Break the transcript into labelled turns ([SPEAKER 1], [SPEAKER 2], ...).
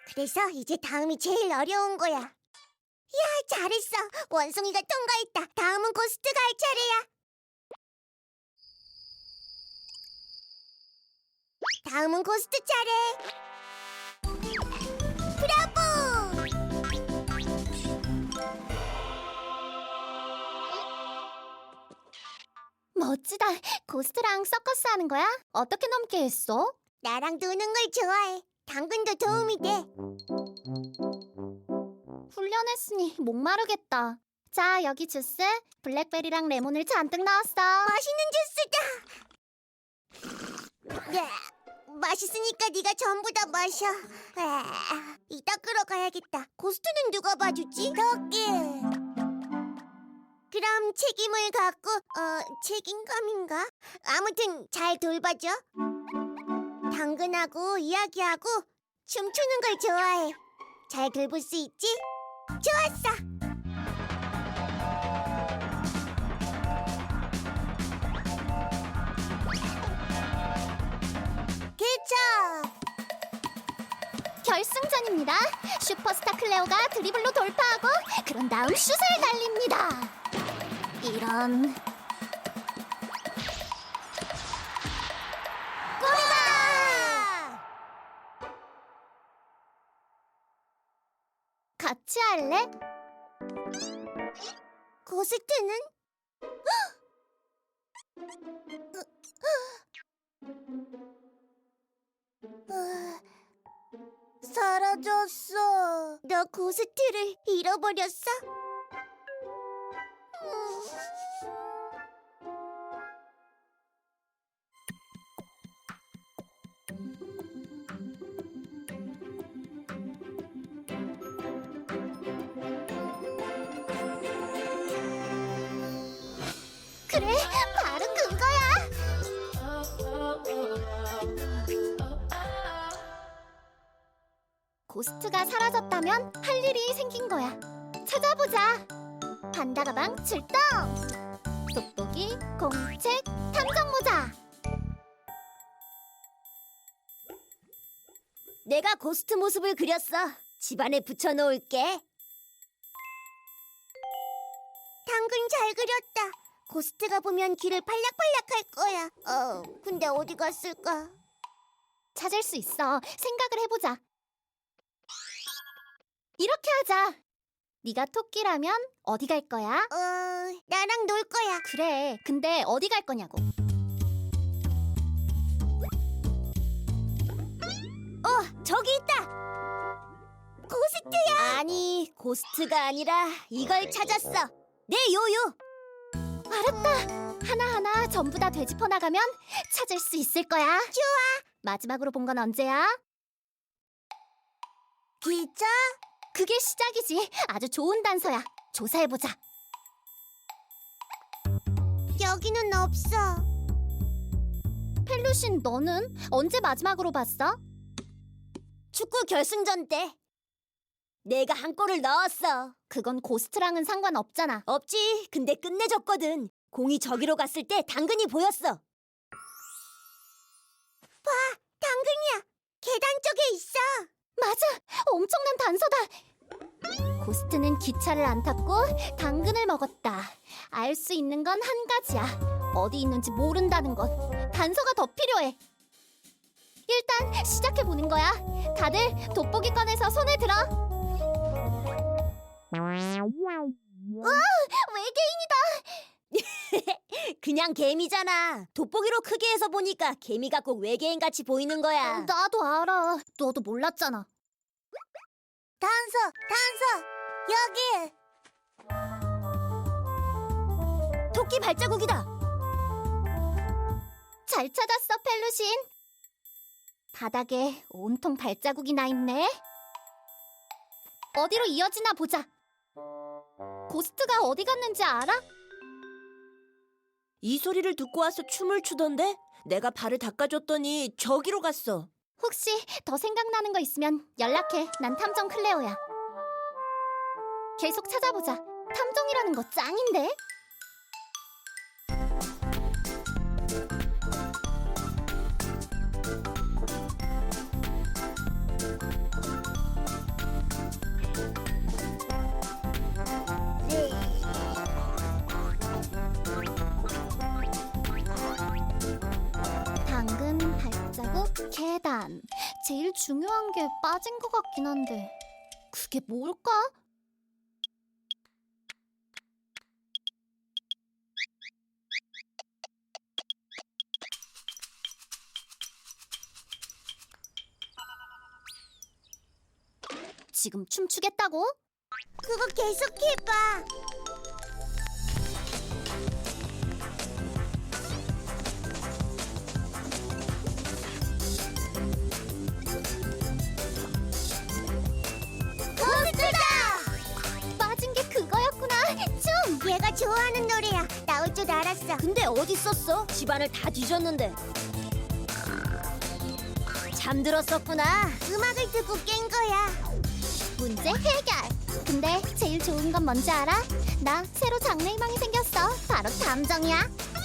[SPEAKER 1] 그래서 이제 다음이 제일 어려운 거야. 야, 잘했어. 원숭이가 통과했다. 다음은 고스트가 할 차례야. 다음은 고스트 차례. 브라보!
[SPEAKER 2] 멋지다. 고스트랑 서커스 하는 거야? 어떻게 넘게 했어?
[SPEAKER 1] 나랑 노는 걸 좋아해. 당근도 도움이 돼.
[SPEAKER 2] 훈련했으니 목마르겠다. 자, 여기 주스. 블랙베리랑 레몬을 잔뜩 넣었어.
[SPEAKER 1] 맛있는 주스다. 야, 맛있으니까 네가 전부 다 마셔. 이따 끌어가야겠다. 고스트는 누가 봐주지? 토끼. 그럼 책임을 갖고 책임감인가? 아무튼 잘 돌봐줘. 당근하고 이야기하고 춤추는 걸 좋아해. 잘 돌볼 수 있지? 좋았어. 기차.
[SPEAKER 2] 결승전입니다. 슈퍼스타 클레오가 드리블로 돌파하고 그런 다음 슛을 날립니다. 이런...
[SPEAKER 1] 골이다!
[SPEAKER 2] 같이 할래?
[SPEAKER 1] 고스트는? 사라졌어. 너 고스트를 잃어버렸어?
[SPEAKER 2] 그래, 바로 그거야. 고스트가 사라졌다면 할 일이 생긴 거야. 찾아보자. 판다 가방 출동. 돋보기, 공책, 탐정 모자.
[SPEAKER 1] 내가 고스트 모습을 그렸어. 집안에 붙여놓을게. 당근 잘 그렸다. 고스트가 보면 귀를 팔락팔락할 거야. 근데 어디 갔을까?
[SPEAKER 2] 찾을 수 있어. 생각을 해보자. 이렇게 하자. 네가 토끼라면 어디 갈 거야?
[SPEAKER 1] 나랑 놀 거야.
[SPEAKER 2] 그래, 근데 어디 갈 거냐고.
[SPEAKER 1] 저기 있다. 고스트야. 아니, 고스트가 아니라 이걸 찾았어. 내 요요.
[SPEAKER 2] 알았다. 하나하나 전부 다 되짚어 나가면 찾을 수 있을 거야.
[SPEAKER 1] 좋아.
[SPEAKER 2] 마지막으로 본 건 언제야?
[SPEAKER 1] 기차?
[SPEAKER 2] 그게 시작이지. 아주 좋은 단서야. 조사해보자.
[SPEAKER 1] 여기는 없어.
[SPEAKER 2] 펠루신, 너는 언제 마지막으로 봤어?
[SPEAKER 1] 축구 결승전 때 내가 한 골을 넣었어.
[SPEAKER 2] 그건 고스트랑은 상관없잖아.
[SPEAKER 1] 없지. 근데 끝내줬거든. 공이 저기로 갔을 때 당근이 보였어. 봐, 당근이야. 계단 쪽에 있어.
[SPEAKER 2] 맞아! 엄청난 단서다! 고스트는 기차를 안 탔고 당근을 먹었다. 알 수 있는 건 한 가지야. 어디 있는지 모른다는 것. 단서가 더 필요해. 일단 시작해보는 거야. 다들 돋보기 꺼내서 손에 들어. 외계인이다!
[SPEAKER 1] 그냥 개미잖아. 돋보기로 크게 해서 보니까 개미가 꼭 외계인같이 보이는 거야.
[SPEAKER 2] 나도 알아. 너도 몰랐잖아.
[SPEAKER 1] 단서, 여기. 토끼 발자국이다.
[SPEAKER 2] 잘 찾았어, 펠루신. 바닥에 온통 발자국이 나 있네. 어디로 이어지나 보자. 고스트가 어디 갔는지 알아?
[SPEAKER 3] 이 소리를 듣고 와서 춤을 추던데? 내가 발을 닦아줬더니 저기로 갔어.
[SPEAKER 2] 혹시 더 생각나는 거 있으면 연락해. 난 탐정 클레오야. 계속 찾아보자. 탐정이라는 거 짱인데? 제일 중요한 게 빠진 것 같긴 한데 그게 뭘까? 지금 춤추겠다고?
[SPEAKER 1] 그거 계속해봐. 고스트다!
[SPEAKER 2] 빠진 게 그거였구나. 춤!
[SPEAKER 1] 얘가 좋아하는 노래야. 나올 줄 알았어.
[SPEAKER 3] 근데 어디 있었어? 집안을 다 뒤졌는데. 잠들었었구나.
[SPEAKER 1] 음악을 듣고 깬 거야.
[SPEAKER 2] 문제 해결! 근데 제일 좋은 건 뭔지 알아? 나 새로 장래희망이 생겼어. 바로 탐정이야.